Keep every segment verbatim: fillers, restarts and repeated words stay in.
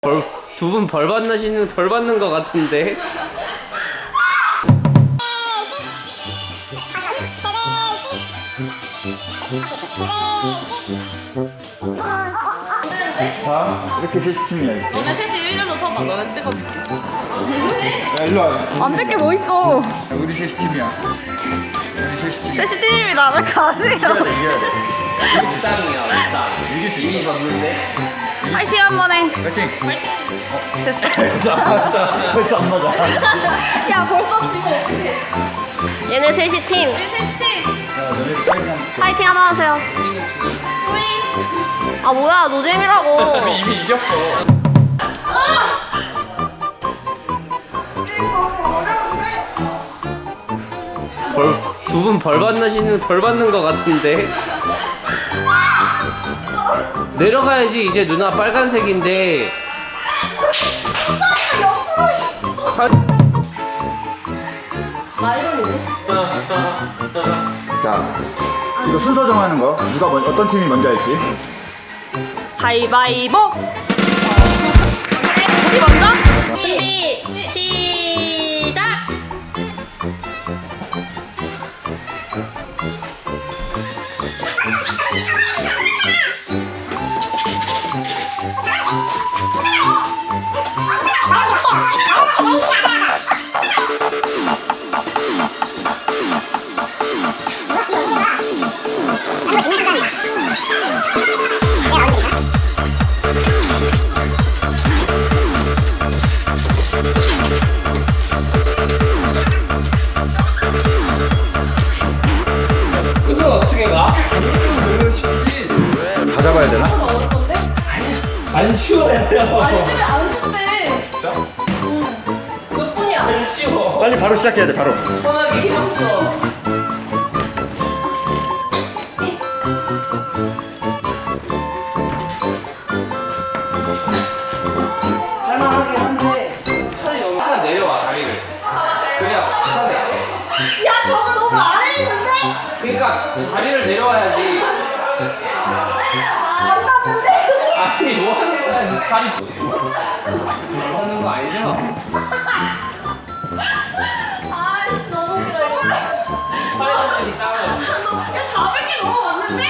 벌, 두 분 벌 받으시는 벌 받는 것 같은데. 자, 이렇게 셋이 팀이야, 이렇게. 너네 셋이 일렬로 서봐. 너네 찍어줄게. 야, 일로 와. 안 될 게 뭐 있어. 야, 우리 셋이 팀이야. 우리 셋이 팀이야. 셋이 팀입니다. 왜 가세요? 이겨야 돼, 이겨야 돼. 짱이야, 짱. 이길 수 이미 있어. 졌는데. 파이팅 한 번 해. 파이팅! 됐어. 벌써 안 맞아. 야 벌써 지고 어떡해. 얘네 셋이 팀 우리 셋이 팀. 야, 너네들 파이팅 하면 파이팅 한번 하세요. 소희. 아 뭐야 노잼이라고. 이미 이겼어. 벌, 두 분 벌 받으시는 벌 받는 것 같은데. 내려가야지. 이제 누나 빨간색인데. 자, 이거 순서 정하는 거. 누가 먼, 어떤 팀이 먼저 할지. 가위바위보. 우리 먼저? 준비 시작. 그래서 어떻게 가? 너무 쉽지. 다 잡아야 되나? 안 쉬워요. 집에 안 준대. 진짜? 몇 분이야? 안 쉬워. 빨리 바로 시작해야 돼, 바로. 편하게 힘 없어. 할만하긴 한데 팔이 너무 약간 내려와 다리를. 그냥 편해. 야 저거 너무 아래에 있는데? 그러니까 다리를 내려와야지. 안 닿는데? 아니 뭐 하는 거야? 다리 지- 뭐 하는 거 아니죠? 아이씨 너무 웃기다 이거. 팔이 따면. 야 잡을 게 너무 많은데?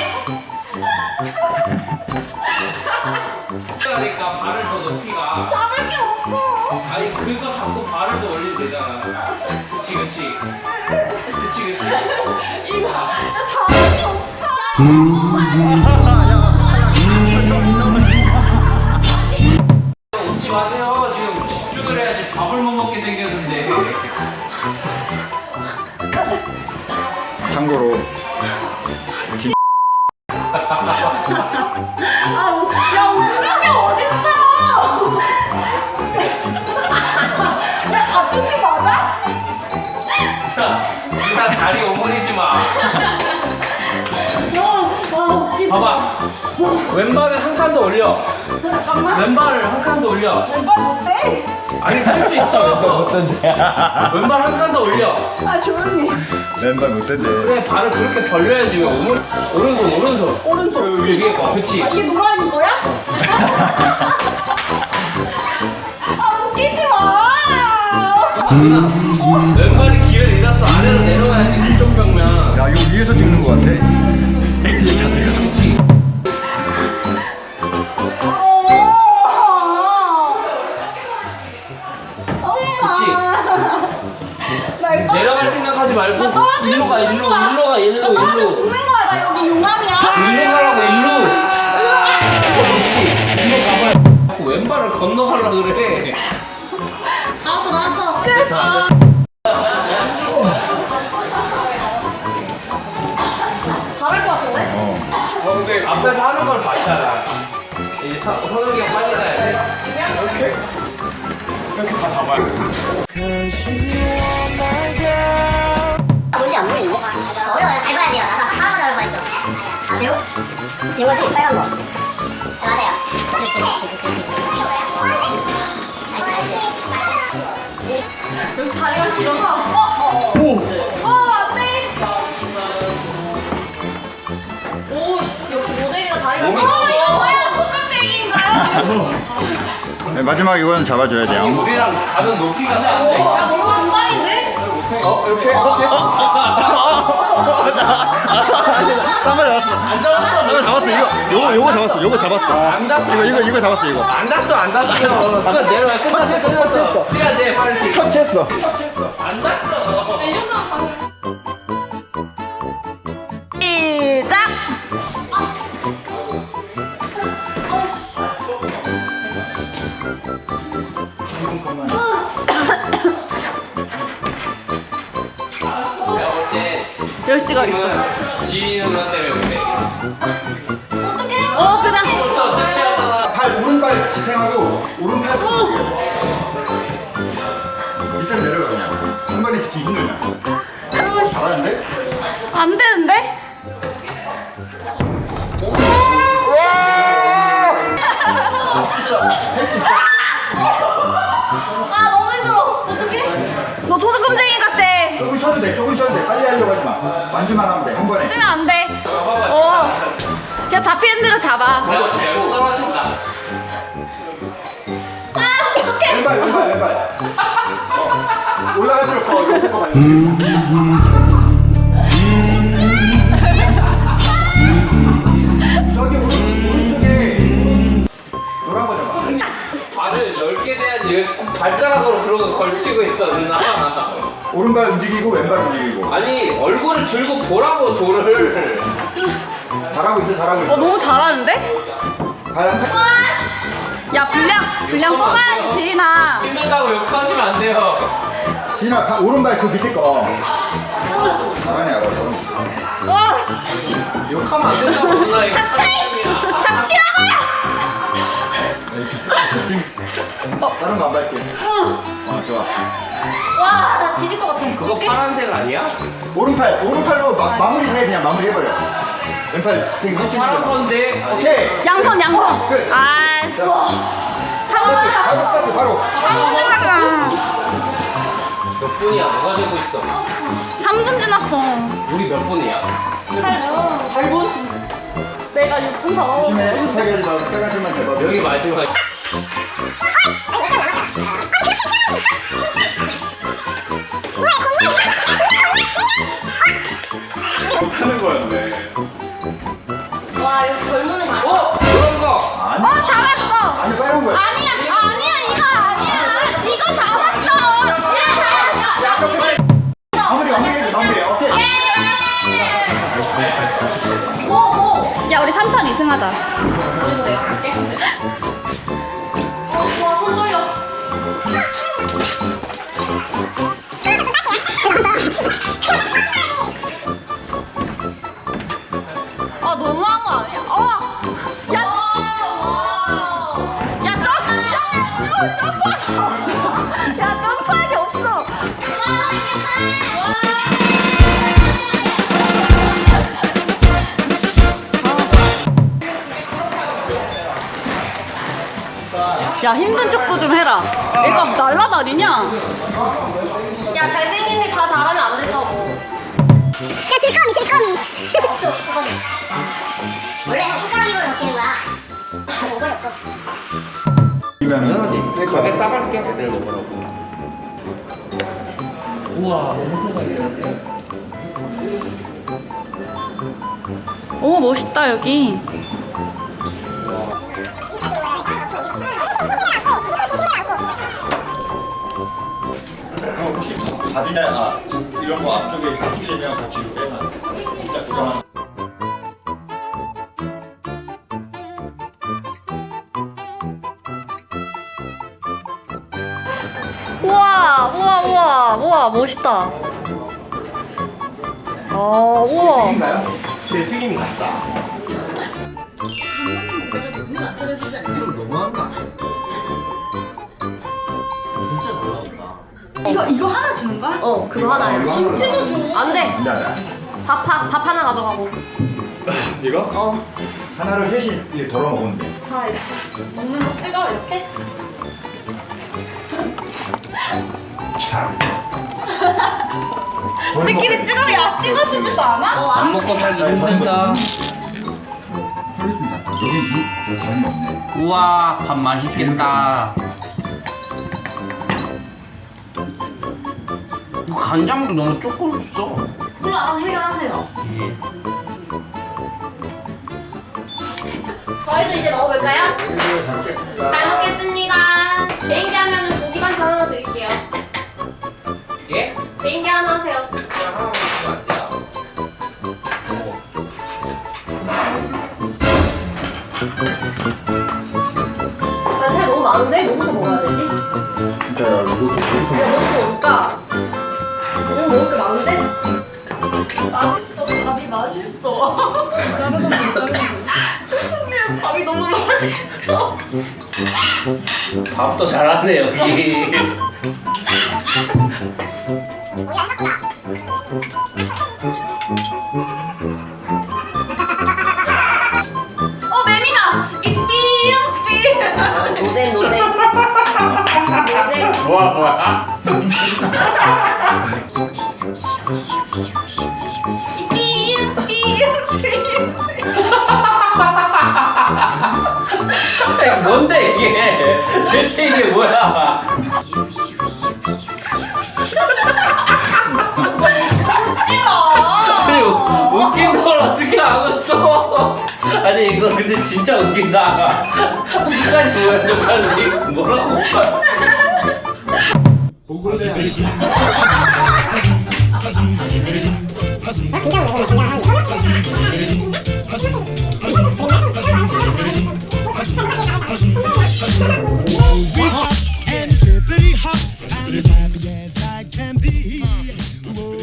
그러니까 발을 더 높이 가. 잡을 게 없어. 아니 그거 자꾸 발을 더 올리면 되잖아. 그치 그치. 그치 그치. 이거 야 잡을 게 없어. 웃지 마세요. 지금 집중을 해야지 밥을 못 먹게 생겼는데. 참고로. 아, 우- 야 운명이 어딨어? 야 같은 팀 맞아? 자, 일단 다리 오므리지 마. 와 웃기다. 봐봐. 왼발을 한 칸 더 올려. 잠깐만. 왼발을 한 칸 더 올려. 왼발 못해? 아니 할 수 있어. 왼발 한 칸 더 올려. 아 조용히. 왼발 못 된대. 그래 발을 그렇게 벌려야지. 왜 오므 오른손 오른손. 오른손. 여기 거. 그치. 아 이게 노란인 거야? 아 웃기지 마. 왼발이 기회를 잃었어. 아래로 내려가야지. 그쪽 벽면. 야, 이거 위에서 찍는 거 같아. 이게 자세가. 그치. 그치. 날 내려갈 생각하지 말고 나 떨어지면 일로 가 죽는 일로 거야. 일로 가 일로 나 떨어지면 일로 죽는 거야. 나 여기 용암이야. 일로 가라고 일로. 그렇지. 일로 가봐. 자꾸 왼발을 건너가려고 그래. 나왔어 나왔어. 다 잘할 것 같은데? 어, 근데 앞에서 하는 걸 봤잖아. 이 서- 선우경 빨리 가야 돼. 이렇게 이렇게 다 잡아야 돼. 뭔지 안 보이는데? 어려워요. 잘 봐야 돼요. 나도 하나만 잘 봐 있어. 이거? 이거지 빨간 거. 네, 맞아요. 그렇지 그렇지 그렇지 그렇지. 나이스 나이스. 여기서 다리가 길어서 어? 어? 오! 어 안돼! 오씨 역시 모델이라 다리가 몸이 어 이거 뭐야 소금쟁이인가요? 네, 마지막 이거는 잡아줘야 아니 돼요. 우리랑 가는 높이가 다른데? 야 너무 금방인데? 어? 이렇게? 이렇게? 딴거 잡았어. 안 잡았어. 딴거 잡았어. 이거 요거 요거 잡았어. 요거 잡았어. 안 닿았어. 이거 이거 이거 잡았어 이거. 안 닿았어 안 닿았어. 끝 내려와 끝났어 끝났어. 시간 제 빨리. 터치했어. 터치했어. 안 닿았어. 이 정도면 방금. 시작! 열시가 있어. 지인 누나 때문에 그래. 어떡해? 어, 그냥. 벌써 어떻게 하잖아. 팔 오른발 지탱하고 오른팔 지탱해. 밑으로 내려가 그냥. 한 번에 지키기 힘들냐. 잘하는데? 안 되는데? 할 수 있어. 할 수 있어. 아 너무 힘들어. 어떡해? 너 소금쟁이 같아. 조금 쉬어도 돼. 조금 쉬어도 돼. 빨리 하려고 하지 마. 완주만 하면 돼. 한 번에. 쓰면 안 돼. 어. 그냥 잡히는 대로 잡아. 떨어진다. 아 어떡해? 왼발 왼발 왼발. 어. 올라갈 필요 없어. 이거 봐요. 저기 오른, 오른쪽에 노란 거잖아. 발을 넓게 대야지 왜 발가락으로 그러고 걸치고 있어 누나. 오른발 움직이고 왼발 움직이고. 아니 얼굴을 들고 보라고 돌을. 잘하고 있어 잘하고 어, 있어. 너무 잘하는데? 발랑 팔. 야, 분량, 분량 뽑아야지, 지인아. 힘들다고 욕하시면 안 돼요. 지인아 발- 오른발 그 밑에 거. 잘하네 알아. 와 씨. 욕하면 안 된다고 누나. 이거 닥쳐 이씨. 닥치라고요. 다른 거 안 밟게. 어 좋아. 와나 뒤질 것 같아. 그거 어떡해? 파란색 아니야? 오른팔 오른팔로 마, 마무리해 그냥 마무리해버려. 왼팔 지탱 할수 파란 있는 거. 건데. 아니, 오케이. 양손, 양손. 끝. 아, 자, 상관없어. 바로 스타트 바로. 몇 분이야? 누가 재고 있어? 삼 분 지났어. 우리 몇 분이야? 팔 분? 내가 육 분 더. 조심해. 급하게 하지 마. 빨간색만 잡아. 여기 마지막. 못하는 거였네. 와 여기서 젊은이 많아. 어? 그런 거. 아니. 어, 잡았어. 아니 빨간 거야. 아니야, 아니야, 이거 아니야. 이거 잡았어. 야, 마무리 마무리해 마무리. 오케이. 오 오. 야, 우리 삼 판 이 승하자. 그래도 내가 갈게. 어 좋아 손 돌려. 아, 너무한 거 아니야? 어! 야, 야, 점프! 점프! 점프하기 없어. 야, 점프하기 없어. 야, 힘든 척도 좀 해라. 얘가 날라다니냐? 야 잘생긴 게 다 잘하면 안 된다고. 야 들꺼미 들꺼미. 원래 손가락으로 먹히는 거야. 오거리 없어. 이거는 가게 싸갈게. 내일 먹으라고. 우와, 너무 있는데. 오, 멋있다, 여기. 어, 혹시 바디나 아, 이런 거 앞쪽에 뚫리면 그 뒤로 빼면 진짜 구경하는. 우와, 우와, 우와, 우와, 멋있다. 어, 우와. 튀긴가요? 제 튀김이 갔어. 이건 너무한 거 아니야? 진짜 놀라웠다. 이거 이거 하나 주는 거야? 어, 그거 하나야. 이거 하나로 김치도 줘. 안 돼. 안 돼, 안 돼. 밥, 밥, 밥 하나 가져가고. 이거? 어. 하나를 셋이 이렇게 덜어 먹으면 돼. 자, 이렇게 먹는 거 찍어, 이렇게. 우리끼리 찍으면 야, 찍어주지도 않아? 어, 안 안 먹고 살기 힘들다. 여기 저 간이 없네. 우와, 밥 맛있겠다. 이거 간장도 너무 조금 줬어. 그걸로 알아서 해결하세요. 저희도 이제 먹어볼까요? 이거 잘 먹겠습니다. 잘 먹겠습니다. 개인기 하면은 조기 반찬 하나 드릴게요. 예? 개인기 하나 하세요. 그냥 하나 먹으면 안 돼요. 반찬이 너무 많은데? 뭐부터 먹어야 되지? 진짜야, 이거 좀 뭐 먹을까? 뭐 먹을 게 많은데? 맛있어. 밥이 맛있어. 자르는 거 자르는 밥이 너무 맛있어. 밥도 잘하네 여기. 어 매미다. Experience, experience. 노잼 노잼. 노잼. 뭐야 뭐야? Experience, experience, experience. 아니, 뭔데 이게? 대체 이게 뭐야? 아니 웃긴 걸 어떻게 알았어? 아니 이거 근데 진짜 웃긴다. 끝까지 보여줘 빨리. 뭐라고? 아, 굉장히